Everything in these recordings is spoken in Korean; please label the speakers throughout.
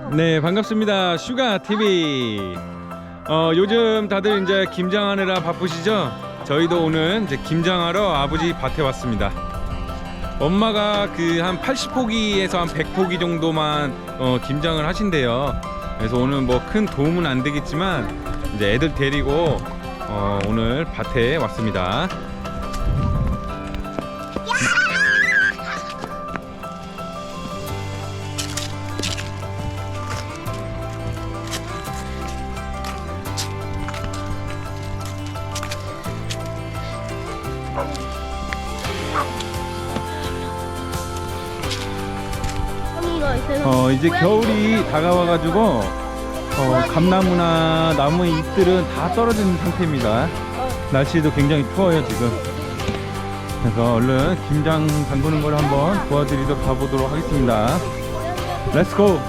Speaker 1: 네, 반갑습니다. 슈가 TV. 요즘 다들 이제 김장하느라 바쁘시죠? 저희도 오늘 이제 김장하러 아버지 밭에 왔습니다. 엄마가 그 한 80포기에서 한 100포기 정도만 김장을 하신대요. 그래서 오늘 뭐 큰 도움은 안 되겠지만 이제 애들 데리고 오늘 밭에 왔습니다. 이제 겨울이 다가와가지고 감나무나 나무의 잎들은 다 떨어진 상태입니다. 날씨도 굉장히 추워요 지금. 그래서 얼른 김장 담그는 걸 한번 도와드리도록 가보도록 하겠습니다. 렛츠고!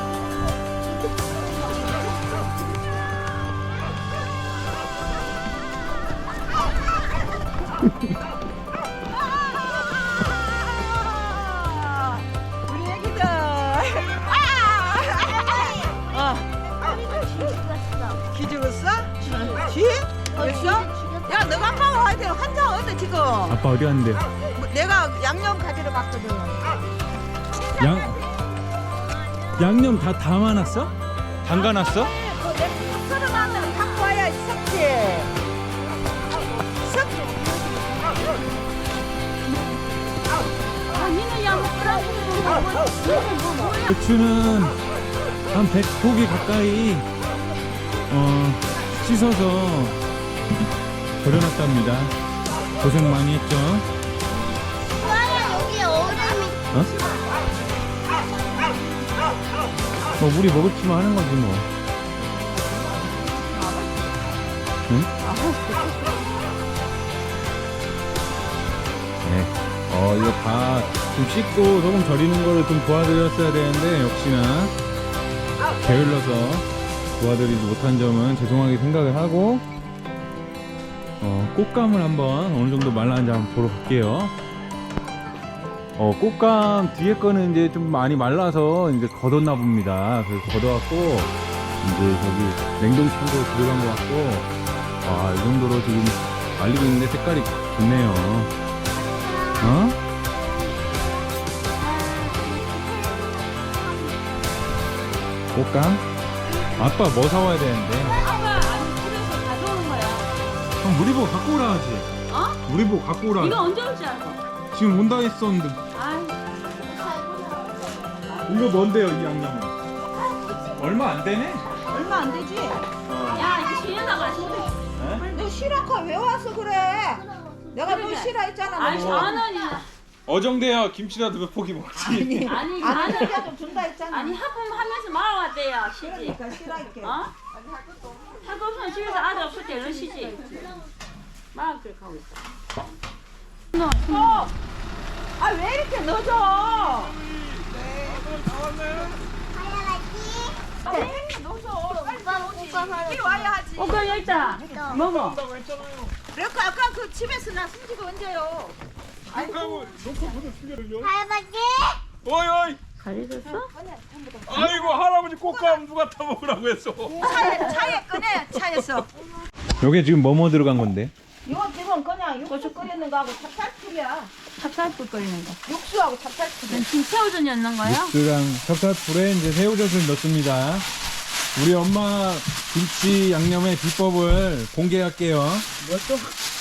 Speaker 2: 쥐? 어딨어? 야, 너가 아빠 와야 돼. 환자 어디 지금?
Speaker 1: 아빠 어디 갔는데요?
Speaker 2: 내가 양념 가지러 갔거든.
Speaker 1: 양념 다 담아놨어? 담가놨어?
Speaker 2: 내가 썰어놨는 갖고 와야 섞지. 섞지.
Speaker 3: 니는 양념
Speaker 1: 배추는 한 100포기 가까이 씻어서 버려놨답니다. 고생 많이 했죠?
Speaker 3: 여기 얼음이
Speaker 1: 뭐 우리 먹을 치만 하는 거지 뭐. 응? 네. 이거 다 좀 씻고 소금 절이는 거를 좀 도와드렸어야 되는데 역시나 게을러서 도와드리지 못한 점은 죄송하게 생각을 하고 꽃감을 한번 어느 정도 말랐는지 한번 보러 갈게요. 꽃감 뒤에 거는 이제 좀 많이 말라서 이제 걷었나 봅니다. 그래서 걷어갖고 이제 저기 냉동창고로 들어간 것 같고, 이 정도로 지금 말리고 있는데 색깔이 좋네요. 꽃감? 아빠 뭐 사와야 되는데?
Speaker 3: 아빠 집에서 가져오는 거야.
Speaker 1: 형 우리 보고 갖고 오라 하지. 우리 보고 갖고 오라.
Speaker 3: 이거 언제 올지 알고?
Speaker 1: 지금 온다 했었는데.
Speaker 3: 아이,
Speaker 1: 이거 뭔데요 이 양념은? 얼마 안 되네?
Speaker 2: 얼마 안 되지?
Speaker 3: 야 이거 신현아가 아신대.
Speaker 2: 너 싫어가 왜 와서 그래? 내가 너 싫어했잖아.
Speaker 3: 아니
Speaker 2: 너.
Speaker 3: 4원이야.
Speaker 1: 어정돼야 김치라도 몇 포기 먹지.
Speaker 3: 아니
Speaker 2: 안
Speaker 3: 4원.
Speaker 2: 되게 좀 준다 했잖아.
Speaker 3: 아니 하품하면서 말아왔대요 시지.
Speaker 2: 그러니까 싫어할게.
Speaker 3: 할 거 없으면 집에서 아들 없을 때 얼른 쉬지. 막 그렇게 하고 있어.
Speaker 2: 아, 왜 이렇게 늦어? 빨리 와야 하지.
Speaker 3: 오빠 여기 있다. 먹어.
Speaker 2: 그러니까 아까 그 집에서 나 숨지고 언제요?
Speaker 4: 할아버지?
Speaker 1: 어이
Speaker 3: 가리졌어?
Speaker 1: 아이고 할아버지 꽃감 누가 타 먹으라고 했어.
Speaker 2: 차에 꺼내, 차에서.
Speaker 1: 요게 지금 뭐뭐 들어간 건데?
Speaker 2: 이거 지금 그냥 육수 끓이는 거하고 찹쌀풀이야.
Speaker 3: 찹쌀풀 끓이는 거.
Speaker 2: 육수하고 찹쌀풀.
Speaker 3: 지금 새우젓 넣는 거야?
Speaker 1: 육수랑 찹쌀풀에 이제 새우젓을 넣습니다. 우리 엄마 김치 양념의 비법을 공개할게요.
Speaker 2: 뭐 또?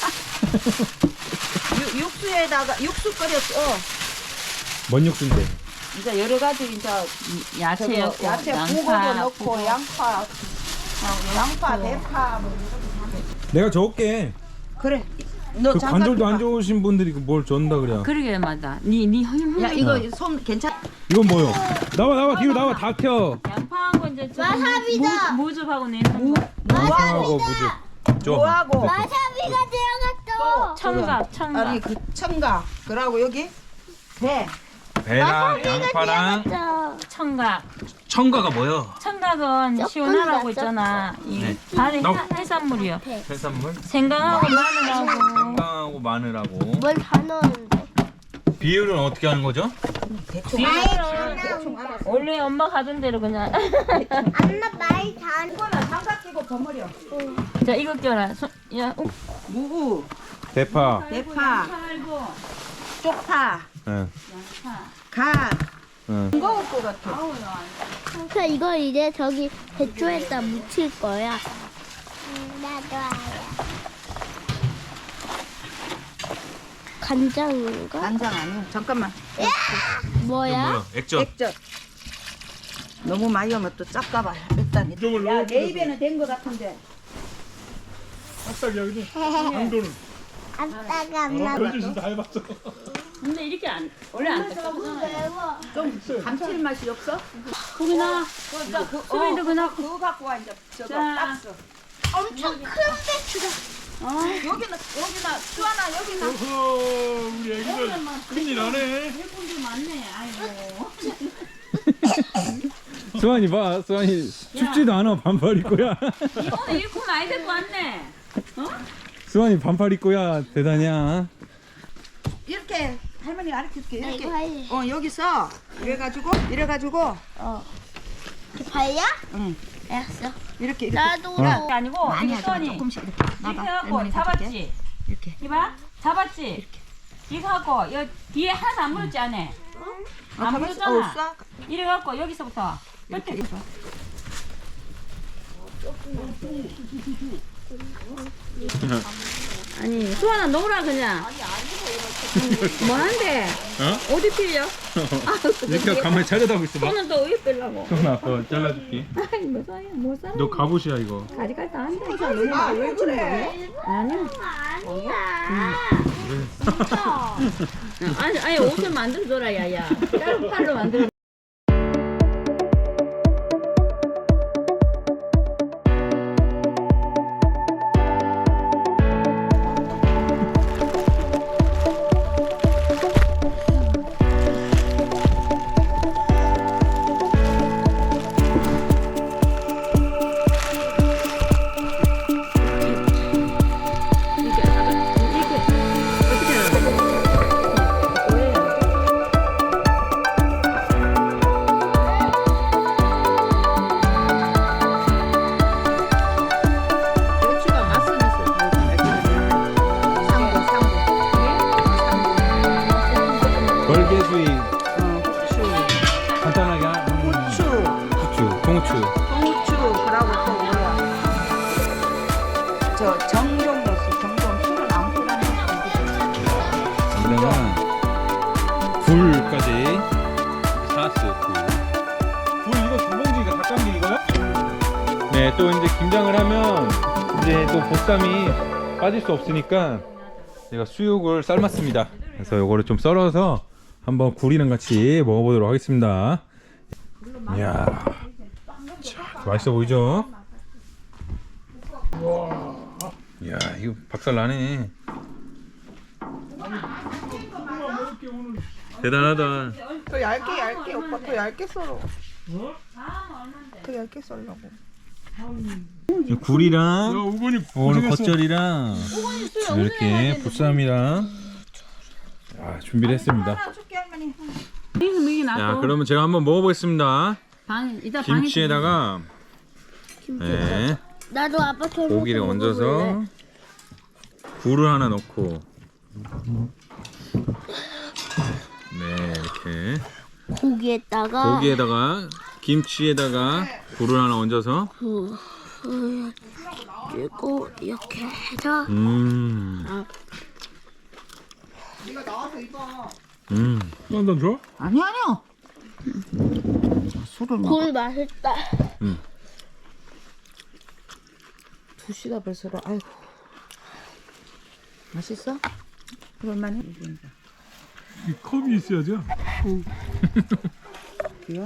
Speaker 2: 육수에다가 육수 끓였어.
Speaker 1: 뭔 육수인데?
Speaker 2: 이제 여러 가지 이제
Speaker 3: 야채
Speaker 2: 저거
Speaker 3: 넣고
Speaker 2: 야채
Speaker 3: 양파
Speaker 2: 부고도 넣고 양파, 대파 뭐.
Speaker 1: 내가 적을게.
Speaker 2: 그래. 너
Speaker 1: 그
Speaker 2: 잠깐
Speaker 1: 관절도 안
Speaker 2: 봐.
Speaker 1: 좋으신 분들이 뭘 준다 그래.
Speaker 3: 그러게 맞아. 니 힘.
Speaker 2: 야 이거 손 괜찮?
Speaker 1: 이건 뭐요? 나와 뒤로 나와 다 켜.
Speaker 3: 양파하고 이제 저
Speaker 4: 와사비다.
Speaker 3: 무즙하고 내는 거.
Speaker 1: 무하고 무즙. 줘.
Speaker 2: 뭐하고?
Speaker 4: 와사비가 들어갔어.
Speaker 3: 청각.
Speaker 2: 아니 그 청각. 그러고 여기 배.
Speaker 1: 배랑 양파랑
Speaker 3: 청각.
Speaker 1: 청가가 뭐요?
Speaker 3: 청각은 시원하라고 있잖아. 이 발의 해산물이요.
Speaker 1: 해산물?
Speaker 3: 생강하고 마늘하고
Speaker 1: 생강하고 마늘하고.
Speaker 4: 뭘 다 넣었는데?
Speaker 1: 비율은 어떻게 하는 거죠?
Speaker 2: 대충 알았어.
Speaker 3: 원래 엄마 가던 대로 그냥.
Speaker 4: 엄마 말 잘.
Speaker 2: 이거는 장갑 끼고 버무려.
Speaker 3: 자 이거 껴라. 야,
Speaker 2: 무구,
Speaker 1: 대파.
Speaker 2: 대파,
Speaker 3: 살고
Speaker 2: 쪽파,
Speaker 1: 응.
Speaker 2: 갓.
Speaker 1: 응.
Speaker 2: 싱거울 것 같아.
Speaker 4: 그래서 이걸 이제 저기 배추에다 묻힐 거야. 나도 알아. 간장인가?
Speaker 2: 간장 아니야. 잠깐만.
Speaker 4: 뭐야?
Speaker 1: 액젓.
Speaker 2: 액젓. 너무 많이 하면 또 짭까봐. 일단. 야, 내 입에는 된 것 같은데.
Speaker 4: 아빠가 엄마
Speaker 3: 근데 이렇게 안 원래 안 닦아보잖아요.
Speaker 2: 좀 감칠맛이 없어?
Speaker 3: 고기나 수빈이도 그나.
Speaker 2: 그거 갖고 와 이제 저거
Speaker 3: 자.
Speaker 2: 박스.
Speaker 4: 엄청 큰 배추다.
Speaker 2: 여기는 수아나 여기는
Speaker 5: 우리 애기들 큰일 나네.
Speaker 3: 분들 많네. 아이고.
Speaker 1: 수환이 봐. 수환이 춥지도 않아. 반팔 입고야.
Speaker 3: 오늘 일꾼 많이 데리고 왔네.
Speaker 1: 수환이 반팔 입고야. 대단이야.
Speaker 2: 이렇게 할머니가 가르쳐줄게.
Speaker 4: 나
Speaker 2: 이렇게.
Speaker 4: 이거 할래.
Speaker 2: 여기서 이래가지고
Speaker 4: 발야?
Speaker 2: 응.
Speaker 4: 알았어.
Speaker 2: 이렇게
Speaker 4: 나도.
Speaker 3: 그게 아니고
Speaker 2: 많이
Speaker 3: 이게
Speaker 2: 하지 마.
Speaker 3: 써니
Speaker 2: 조금씩 이렇게.
Speaker 3: 이렇게
Speaker 2: 나봐.
Speaker 3: 해갖고
Speaker 2: 할머니 가져올게.
Speaker 3: 잡았지.
Speaker 2: 이렇게.
Speaker 3: 이봐 잡았지. 이거 갖고 여 뒤에 하나도 안 물었지 안에. 안 물었잖아.
Speaker 2: 쏴.
Speaker 3: 이래 갖고 여기서부터
Speaker 2: 이렇게.
Speaker 3: 끝에. 아니 수아나 놀아 그냥. 뭐한데?
Speaker 1: 어?
Speaker 3: 어디 필려?
Speaker 1: 이렇게 가만히 차려다보고 있어 봐.
Speaker 3: 손은 또 어디 빼려고?
Speaker 1: 수환아, 그거 잘라줄게.
Speaker 3: 아이 뭐 사야 뭐 사야?
Speaker 1: 너 갑옷이야 이거.
Speaker 3: 가지갈 다 한다.
Speaker 2: 아, 왜 그래?
Speaker 3: 아니야. 아니 옷을 만들어 줘라 야야. 다른 팔로 만들어.
Speaker 2: 배추가 맛은 있어.
Speaker 1: 벌개수이
Speaker 2: 후추,
Speaker 1: 간단하게
Speaker 2: 후추,
Speaker 1: 후추, 통후추.
Speaker 2: 홍후추, 그러고 또 뭐야? 저 정종 넣었어. 정종 술은 안 뿌라는
Speaker 1: 여기다가 굴까지 사스 굴 이거 두 봉지가 닭감기 이거야? 네, 또 이제 김장을 하면 이제 또 보쌈이 빠질 수 없으니까 제가 수육을 삶았습니다. 그래서 요거를 좀 썰어서 한번 굴이랑 같이 먹어보도록 하겠습니다. 이야, 자, 맛있어 보이죠? 이야, 이거 박살 나네. 대단하다.
Speaker 2: 더 얇게 오빠 더 얇게 썰어. 더 얇게 썰라고.
Speaker 1: 굴이랑
Speaker 5: 우건이
Speaker 1: 오늘
Speaker 5: 고생했어.
Speaker 1: 겉절이랑 이렇게 보쌈이랑 준비를 했습니다.
Speaker 2: 하나 줄게 할머니.
Speaker 3: 미기
Speaker 1: 자,
Speaker 3: 놔둬.
Speaker 1: 그러면 제가 한번 먹어보겠습니다.
Speaker 3: 이따 방에
Speaker 1: 김치에다가 네,
Speaker 4: 나도 아빠처럼
Speaker 1: 고기를 얹어서 굴을 하나 넣고 네, 이렇게
Speaker 4: 고기에다가
Speaker 1: 고기에다가 김치에다가 굴을 하나 얹어서
Speaker 4: 그리고 이렇게 해서
Speaker 5: 난단 줘?
Speaker 2: 아니 아니요. 술을 먹어.
Speaker 4: 굴 맛있다.
Speaker 2: 두 시다 벌써. 아이고. 맛있어? 그럴만해.
Speaker 5: 이 컵이 있어야죠.
Speaker 2: 이거?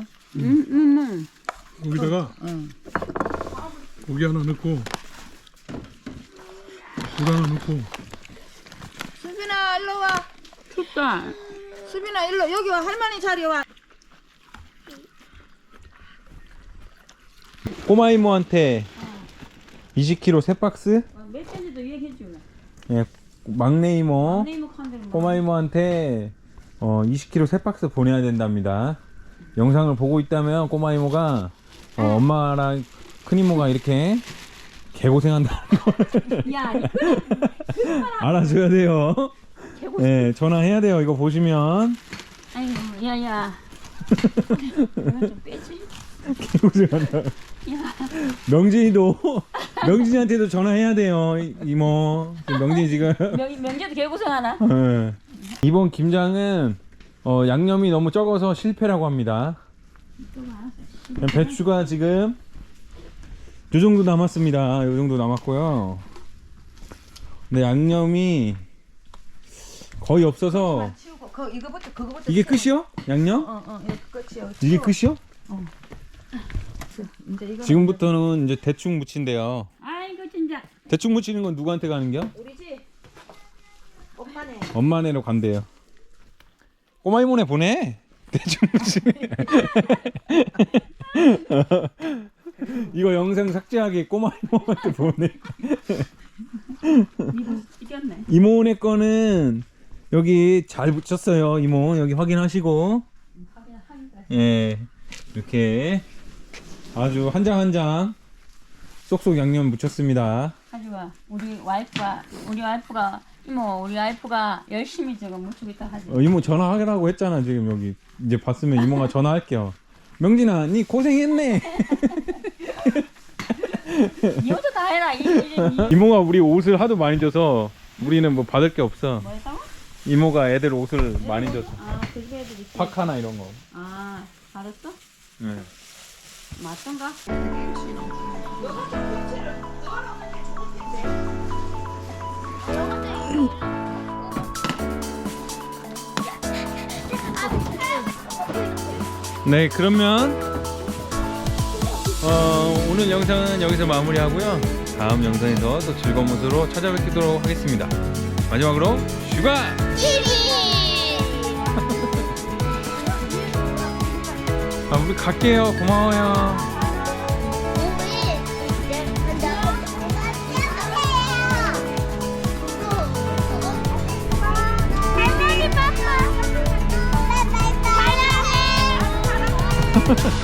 Speaker 5: 거기다가
Speaker 2: 응.
Speaker 5: 고기 하나 넣고 굴 하나 넣고
Speaker 2: 수빈아 일로 와.
Speaker 3: 춥다.
Speaker 2: 수빈아 일로 여기 와. 할머니 자리 와.
Speaker 1: 꼬마 이모한테 20kg 3박스,
Speaker 3: 몇 개인지도 얘기해 주라.
Speaker 1: 예, 막내 이모
Speaker 3: 네이버 칸들 뭐.
Speaker 1: 꼬마 이모한테 20kg 3박스 보내야 된답니다. 영상을 보고 있다면 꼬마 이모가 엄마랑 큰 이모가 이렇게 개고생한다는 걸
Speaker 3: 야,
Speaker 1: 알아줘야 돼요. 네, 전화해야 돼요. 이거 보시면
Speaker 3: 아이고, 야야. 이거 좀 빼지.
Speaker 1: 개고생한다. 명진이한테도 전화해야 돼요. 이모. 명진이 지금
Speaker 3: 명재도 개고생하나?
Speaker 1: 네. 이번 김장은 양념이 너무 적어서 실패라고 합니다. 배추가 지금 요 정도 남았습니다. 요 정도 남았고요. 근데 양념이 거의 없어서
Speaker 2: 치우고 이거부터 그거부터
Speaker 1: 이게 끝이요? 양념?
Speaker 2: 이거 끝이요.
Speaker 1: 이게 끝이요?
Speaker 2: 이제 이거
Speaker 1: 지금부터는 이제 대충 무친대요.
Speaker 3: 아이고 진짜.
Speaker 1: 대충 무치는 건 누구한테 가는겨?
Speaker 2: 우리 집 엄마네.
Speaker 1: 엄마네로 간대요. 꼬마 이모네 보내. 대충 무치네. 이거 영상 삭제하게 꼬마 이모한테 보내.
Speaker 3: 이거 찍혔네.
Speaker 1: 이모네 거는 여기 잘 붙였어요. 이모 여기 확인하시고. 예, 이렇게 아주 한 장 한 장 쏙쏙 양념 묻혔습니다.
Speaker 3: 하지마. 우리 와이프가 열심히 지금 묻히고 있다 하지.
Speaker 1: 이모 전화하라고 했잖아. 지금 여기 이제 봤으면 이모가 전화할게요. 명진아, 니 고생했네.
Speaker 3: 이것도 다 해라.
Speaker 1: 이모가 우리 옷을 하도 많이 줘서 우리는 뭐 받을 게 없어.
Speaker 3: 뭐 했다고?
Speaker 1: 이모가 애들 옷을 많이 줬어.
Speaker 3: 아, 그게 애들 있어.
Speaker 1: 파카나 이런 거.
Speaker 3: 아, 알았어?
Speaker 1: 네.
Speaker 3: 맞던가?
Speaker 1: 네, 그러면 오늘 영상은 여기서 마무리하고요. 다음 영상에서 또 즐거운 모습으로 찾아뵙도록 하겠습니다. 마지막으로 슈가! 우리 갈게요. 고마워요.
Speaker 4: 할머니 빠빠. 바이바이. 사랑해.